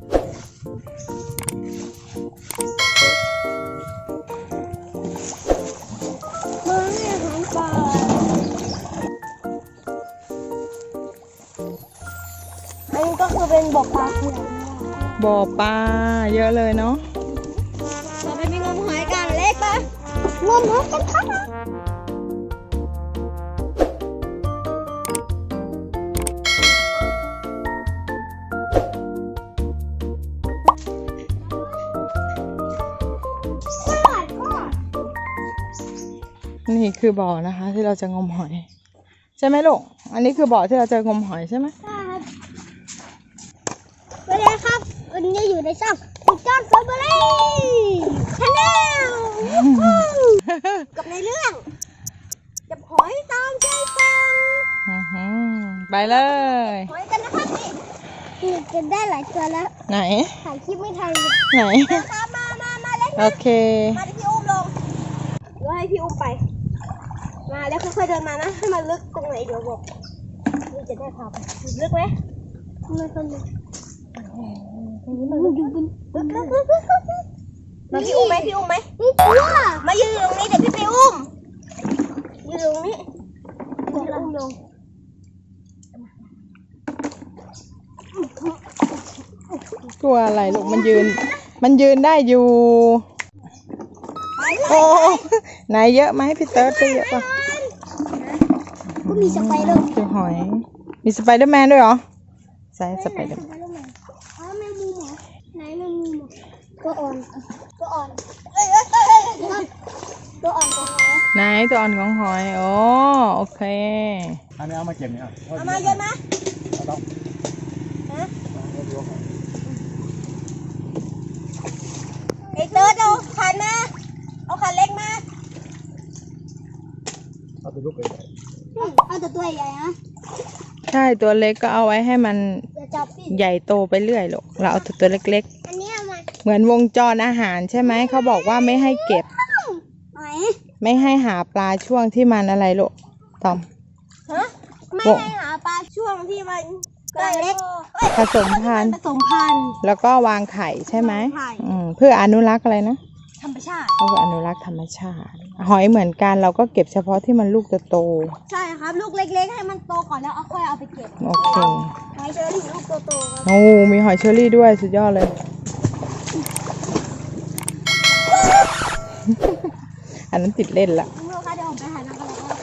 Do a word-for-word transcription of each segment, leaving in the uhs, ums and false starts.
อันนี้ก็คือเป็นบ่อปลาคือบ่อปลาเยอะเลยเนาะเราไปมีงมหอยกันเล็กปะงมหอยกันครับนี่คือบ่อนะคะที่เราจะงมหอยใช่ไหมลูกอันนี้คือบ่อที่เราจะงมหอยใช่ไหมใช่ครับสวัสดีครับวันนี้อยู่ในช่องติ๊กต็อกแฟมิลี่ชาแนลกับในเรื่องจับหอยตามใจฟังไปเลยหอยกันนะครับนี่กินได้หลายตัวแล้วไหนถ่ายคลิปไม่ทันไหนมามามามาเล่นโอเคมาที่พี่อุ้มลงเดี๋ยวให้พี่อุ้มไปมาแล้วค่อยๆเดินมานะให้มันลึกตรงไหนเดี๋ยวบอกนี่จะได้พาไปลึกไหมไม่ค่อยลึกตรงนี้มันลึกลึกลึกลึกลึกมาพี่อุ้มไหมพี่อุ้มไหมมายืนตรงนี้เดี๋ยวพี่ไปอุ้มยืนตรงนี้พี่อุ้มลงกลัวอะไรลูกมันยืนมันยืนได้อยู่โอ้ไหนเยอะไหมพี่เติร์ดได้เยอะป่ะก็มีสไปเดอร์คือหอยมีสไปเดอร์แมนด้วยเหรอใช่สไปเดอร์แมนอ๋อแมงมุมเหรอไหนแมงมุมตัวอ่อนตัวอ่อนเอ้ยเอ้ยเอ้ยตัวอ่อนของหอยไหนตัวอ่อนของหอยโอ้โอเคอันนี้เอามาเก็บเนี่ยเอามาเยอะนะต้องฮะไอ้เติร์ดเอาขันมาเอาขันเล็กมาเอาตัวลูกใหญ่เอาแต่ตัวใหญ่นะใช่ตัวเล็กก็เอาไว้ให้มันใหญ่โตไปเรื่อยลูกเราเอาตัวเล็กๆอันนี้เอามาเหมือนวงจรอาหารใช่ไหมเขาบอกว่าไม่ให้เก็บไม่ให้หาปลาช่วงที่มันอะไรลูกตอมฮะไม่ให้หาปลาช่วงที่มันเล็กผสมพันธุ์ผสมพันธุ์แล้วก็วางไข่ใช่ไหมเพื่ออนุรักษ์อะไรนะธรรมชาติเอาอนุรักษ์ธรรมชาติหอยเหมือนกันเราก็เก็บเฉพาะที่มันลูกโตใช่ครับลูกเล็กๆให้มันโตก่อนแล้วเอาค่อยเอาไปเก็บโอเคหอยเชอรี่ลูกโตๆครับโอ้มีหอยเชอรี่ด้วยสุดยอดเลยอันนั้นติดเล่นละลูกค่ะเดี๋ยวผมไปหาน้ำกันแล้วก็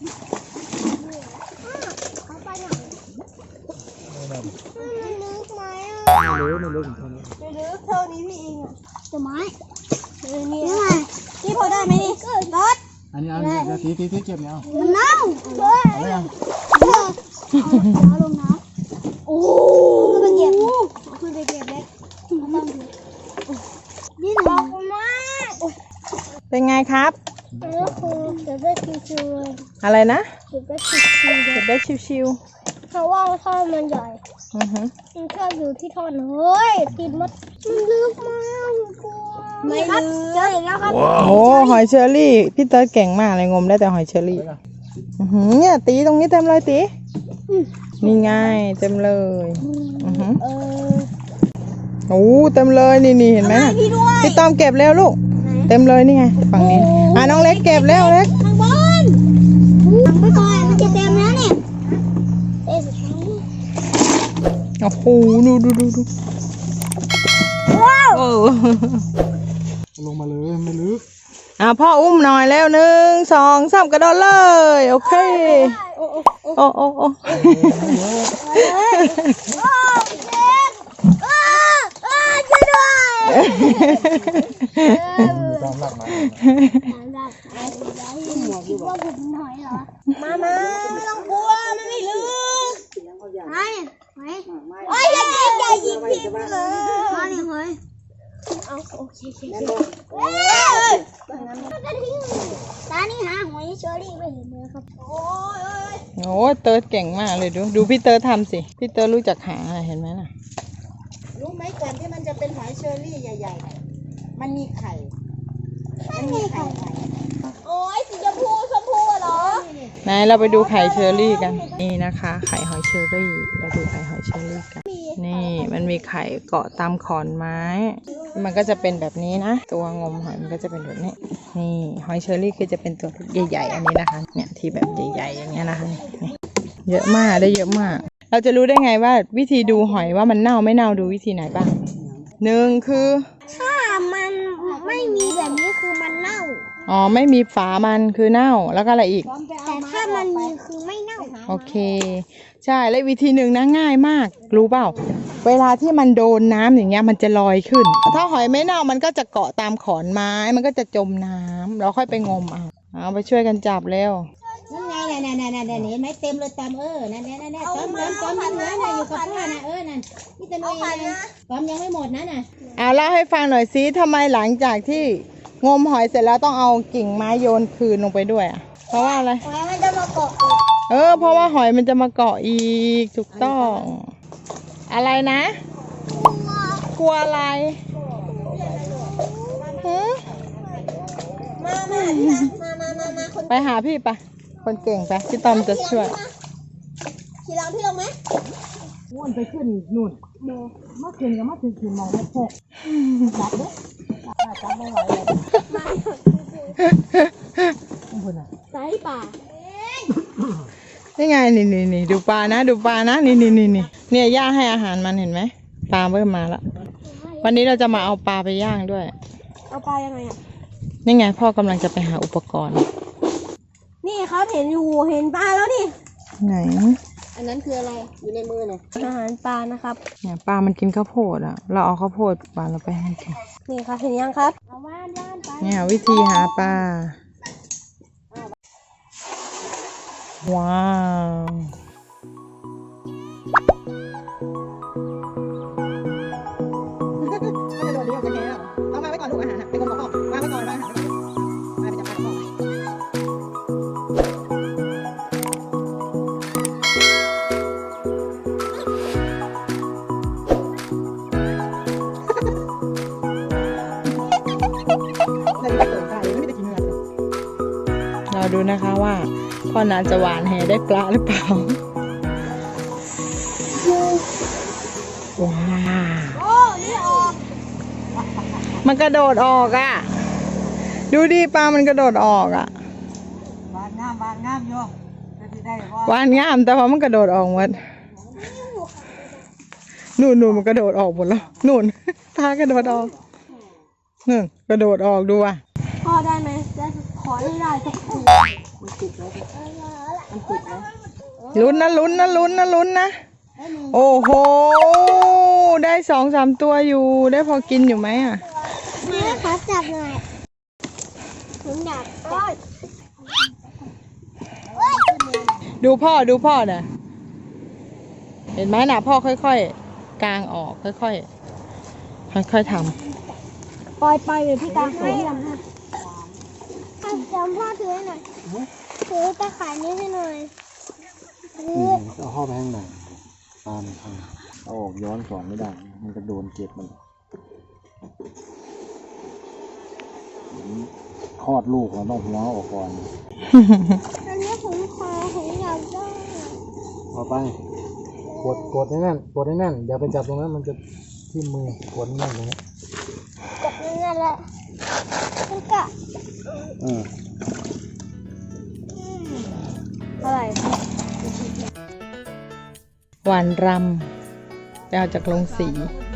เขาไปไหนมันลึกไหมอ่ะไม่รู้ไม่รู้ถึงเท่านี้ไม่ลึกเท่านี้พี่เองอ่ะจะไม้เออนี่นี่พอได้ไหมนี่รถอันนี้เอาเนี่ยตีตีตีเก็บเนี่ยเอามันเน่าเฮ้ยอะไรอ่ะเอาลงน้ำโอ้คือไปเก็บคือไปเก็บเล็กต้องดูนี่หนักมากเป็นไงครับเออคือเก็บได้ชิวๆเลยอะไรนะเก็บได้ชิวๆเก็บได้ชิวๆเพราะว่าท่อมันใหญ่อือฮึมันชอบอยู่ที่ท่อเฮ้ยติดมัดมันลึกมากกลัวไม่ลึกเจออีกแล้วครับโอ้หอยเชอรี่พี่เติร์ดเก่งมากเลยงมได้แต่หอยเชอรี่เนี่ยตีตรงนี้เต็มเลยตีนี่ไงเต็มเลยอือฮึโอ้เต็มเลยนี่นี่เห็นไหมพี่ต้อมเก็บแล้วลูกเต็มเลยนี่ไงฝั่งนี้อ่ะน้องเล็กเก็บแล้วเล็กข้างบนทำไปก่อนมันจะเต็มแล้วเนี่ยโอ้โหดูดูดูดูว้าวลงมาเลยไม่ลึกอ่ะพ่ออุ้มหน่อยแล้วหนึ่งสองสามกระโดดเลยโอเคโอ้โอ้โอ้โอ้ช่วยด้วยตามหลักมามามาไม่ต้องกลัวมันไม่ลึกไอ้ไอ้โอ้ยอย่ายิงอย่ายิงพี่เลยมาเนี่ยเฮ้ยเอาโอเคโอเคเฮ้ยตานี่หาหอยเชอรี่ไม่เห็นเลยครับโอ้ยโอ้เติร์ดเก่งมากเลยดูดูพี่เติร์ดทำสิพี่เติร์ดรู้จักหาเห็นไหมน่ะรู้ไหมก่อนที่มันจะเป็นหอยเชอรี่ใหญ่ๆมันมีไข่มันมีไข่โอ้ยสีชมพูชมพูเหรอไหนเราไปดูไข่เชอรี่กันนี่นะคะไข่หอยเชอรี่เราดูไข่หอยเชอรี่กันนี่มันมีไข่เกาะตามขอนไม้ มันก็จะเป็นแบบนี้นะ ตัวงมหอยมันก็จะเป็นแบบนี้ นี่หอยเชอรี่คือจะเป็นตัวใหญ่ๆอันนี้นะคะ เนี่ยที่แบบใหญ่ๆอย่างเงี้ยนะคะนี่เยอะมากได้เยอะมาก เราจะรู้ได้ไงว่าวิธีดูหอยว่ามันเน่าไม่เน่าดูวิธีไหนบ้างหนึ่งคือถ้ามันไม่มีแบบนี้คือมันเน่าอ๋อไม่มีฝามันคือเน่าแล้วก็อะไรอีกแต่ถ้ามันมีคือไม่เน่าโอเค ใช่และวิธีหนึ่งนะง่ายมาก รู้เปล่า เวลาที่มันโดนน้ำอย่างเงี้ยมันจะลอยขึ้น ถ้าหอยไม่เน่ามันก็จะเกาะตามขอนไม้มันก็จะจมน้ำเราค่อยไปงมเอาเอาไปช่วยกันจับเร็วนั่นไงน่ะน่ะน่ะน่ะเห็นไหมเต็มเลยตอมเออนั่นนั่นนั่นตอมตอมตอมยังเหลือน่ะอยู่กับพ่อน่ะเออนั่นนี่จะน้อยนะตอมยังไม่หมดนะน่ะเอาเล่าให้ฟังหน่อยซิทำไมหลังจากที่งมหอยเสร็จแล้วต้องเอากิ่งไม้โยนคืนลงไปด้วยอ่ะเพราะว่าอะไรหอยมันจะมาเกาะอีกเออเพราะว่าหอยมันจะมาเกาะอีกถูกต้อง อะไรนะ กลัวอะไรหือมามาพี่นะมามามามาคนไปหาพี่ปะคนเก่งไปพี่ตอมจะช่วยขี่หลังพี่ลงไหมม้วนไปขึ้นนู่นมาขึ้นกับมาถึงขึ้นมองไม่พกจับเด้อจับไม่ไหวเลยสายป่านี่ไงนี่นี่นี่ดูปลานะดูปลานะนี่นี่นี่นี่เนี่ยย่าให้อาหารมันเห็นไหมปลาเริ่มมาแล้ววันนี้เราจะมาเอาปลาไปย่างด้วยเอาปลายังไงอ่ะนี่ไงพ่อกำลังจะไปหาอุปกรณ์นี่ครับเห็นอยู่เห็นปลาแล้วนี่ไหนอันนั้นคืออะไรอยู่ในมือเนี่ยอาหารปลานะครับเนี่ยปลามันกินข้าวโพดอ่ะเราเอาข้าวโพดปลาเราไปให้กินนี่ครับเห็นยังครับเอาว่านว่านไปเนี่ยวิธีหาปลาว้าวไม่โดนเลี้ยวกันแล้วเอามาไว้ก่อนลูกอาหารไปคนกับพ่อวางไว้ก่อนวางอาหารไว้ก่อนมาไปจับปลาพ่อเราดูนะคะว่าพ่อนาจะหวานแหได้ปลาหรือเปล่าว้าวโอ้นี่ออกมันกระโดดออกอ่ะ ดูดิปลามันกระโดดออกอ่ะบานงามบานงามโยจะได้ว่าหวานงามแต่พอมันกระโดดออกหมดนู่นนู่นมันกระโดดออกหมดแล้วนู่นปลากระโดดออกนู่นกระโดดออกดูอ่ะพ่อได้ไหมจะขอให้ได้สักทีลุ้นนะลุ้นนะลุ้นนะลุ้นนะโอ้โหได้สองสามตัวอยู่ได้พอกินอยู่ไหมอ่ะแม่ครับจับหน่อยผมอยากจับดูพ่อดูพ่อน่ะเห็นไหมน่ะพ่อค่อยๆกางออกค่อยๆค่อยๆทำปล่อยปล่อยเดี๋ยวพี่ตาให้ทำให้จำพ่อถือให้หน่อยถือตะข่ายนี้ให้หน่อยถือเอาเข้าไปข้างในตามทางเอาออกย้อนสอนไม่ได้ มันจะโดนเก็บมันคลอดลูกเราต้องหัวออกก่อนอันนี้ผมขอผมอยากได้เอาไปกดกดให้แน่นกดให้แน่นอย่าไปจับตรงนั้นมันจะที่มือกดให้แน่นตรงนี้กดนั่นแหละมันกะเอออะไรหวานรำไปเอาจากโรงสี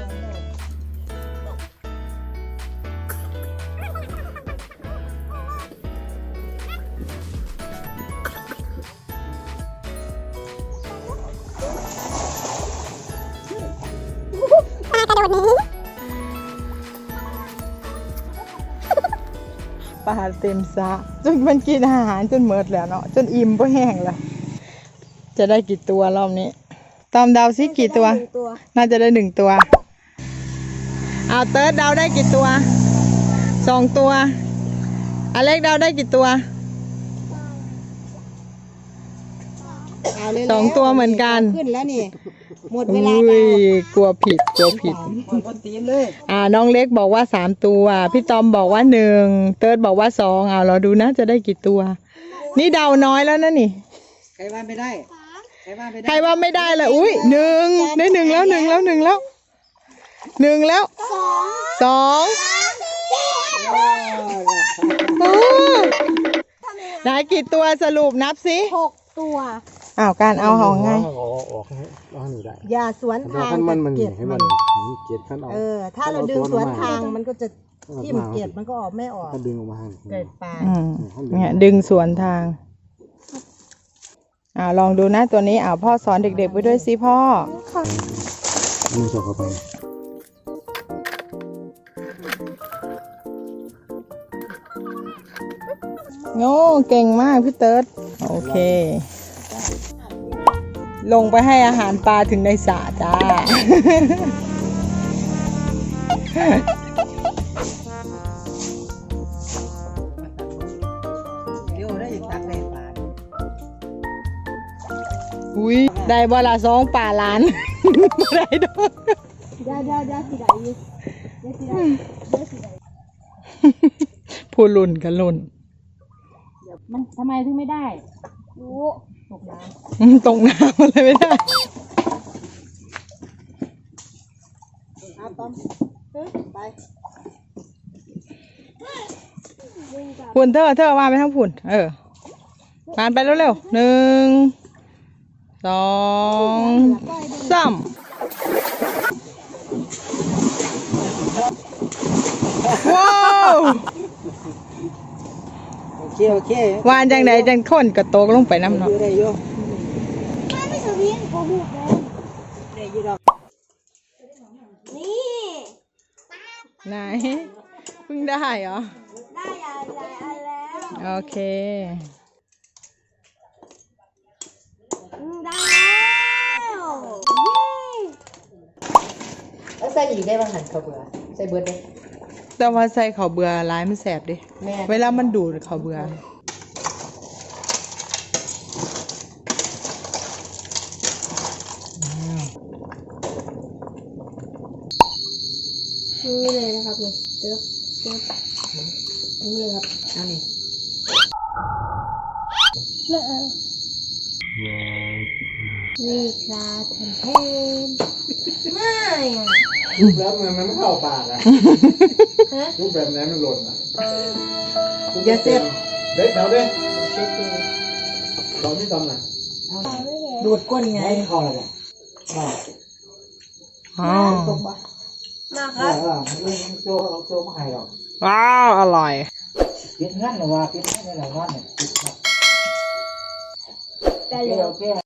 ปลาเต็มสระจนมันกินอาหารจนเมิดแล้วเนาะจนอิ่มก็แห้งแล้วจะได้กี่ตัวรอบนี้ตามเดาซิกี่ตัวตัวน่าจะได้หนึ่งตัวเอาเติร์ดเดาได้กี่ตัวสองตัวอเล็กเดาได้กี่ตัวสองตัวเหมือนกันขึ้นแล้วนี่หมดเวอุ้ลายกลัวผิดกลัวผิดคนตีนเลยอ่าน้องเล็กบอกว่าสามตัวพี่ตอมบอกว่าหนึ่งเติร์ดบอกว่าสองเอาเราดูนะจะได้กี่ตัว นี่เดาน้อยแล้วนะนี่ใครว่าไม่ได้ใครใครว่าไม่ได้เลยอุ้ยหนึ่งได้หนึ่งแล้วหนึ่งแล้วหนึ่งแล้วหนึ่งแล้วสองโอ้ได้กี่ตัวสรุปนับสิหกตัวอ้าวการเอาของไงเอาออกให้เอาให้หนูได้อย่าสวนแต่ทางขั้นมันมันเก็บให้มัมัน นเกล็ดขั้นเอาเออ ถ้าเราดึงสวนทางมันก็จะทิ่มเก็บมันก็ออกไม่ออกถ้าดึงออกมาให้เกิดปลาอืมเนี่ยดึงสวนทางอ่าลองดูนะตัวนี้อ่าพ่อสอนเด็กๆไปด้วยสิพ่อมือสอดเข้าไปโอ้เก่งมากพี่เติร์ดโอเค ลงไปให้อาหารปลาถึงในสระจ้า อุ้ยได้บลาสองป่าล้าน ได้ดอกได้ได้ได้สิได้ยิได้สิได้ได้สิได้ผู้ลุ่นกันลุ่นมันทำไมถึงไม่ได้รู้ตกน้อืมตรงน้ำอะไรไม่ได้ำเอาต้อมไปวิ่งกลับพุ่นเธอเธอว่าไปทั้งพุ่นเออผ่านไปเร็วๆหนึ่งสองสามว้าวโอเคโอเควานจังไหนจังค้นกระโตกลงไปน้ำเนาะได้อยู่ไม่ไม่สวิงโกหกเลยได้อยู่ดอกนี่ไหนเพิ่งได้เหรอได้หลายหลายอันแล้วโอเคอืมได้แล้วแล้วใส่อีกได้บ้างหันเขาเบื่อใส่เบิร์ดได้แต่ว่าใส่ข้าวเบื่อร้ายมันแสบดิแม่เวลามันดูดข้าวเบื่อนี่เลยนะครับนี่เดี๋ยวเดี๋ยวนี่เลยครับเอานี่เออนี่ครับแทนเทนไม่อะรูปแบบมันมันไม่เข้าปากอะรูปแบบนั้นมันหล่นอะอย่าเสียบเด็กเราเด้เราที่ตำน่ะดูดก้นไงไม่เข้าเลยป่ะอ๋อมาคเอรับอเออเรื่องโจ้เราโจ้ไม่ให้หรอกว้าวอร่อยปิดงั้นหรือว่าปิดงั้นในหลังบ้านเนี่ยปิดครับแต่โอเคเร็วโอเค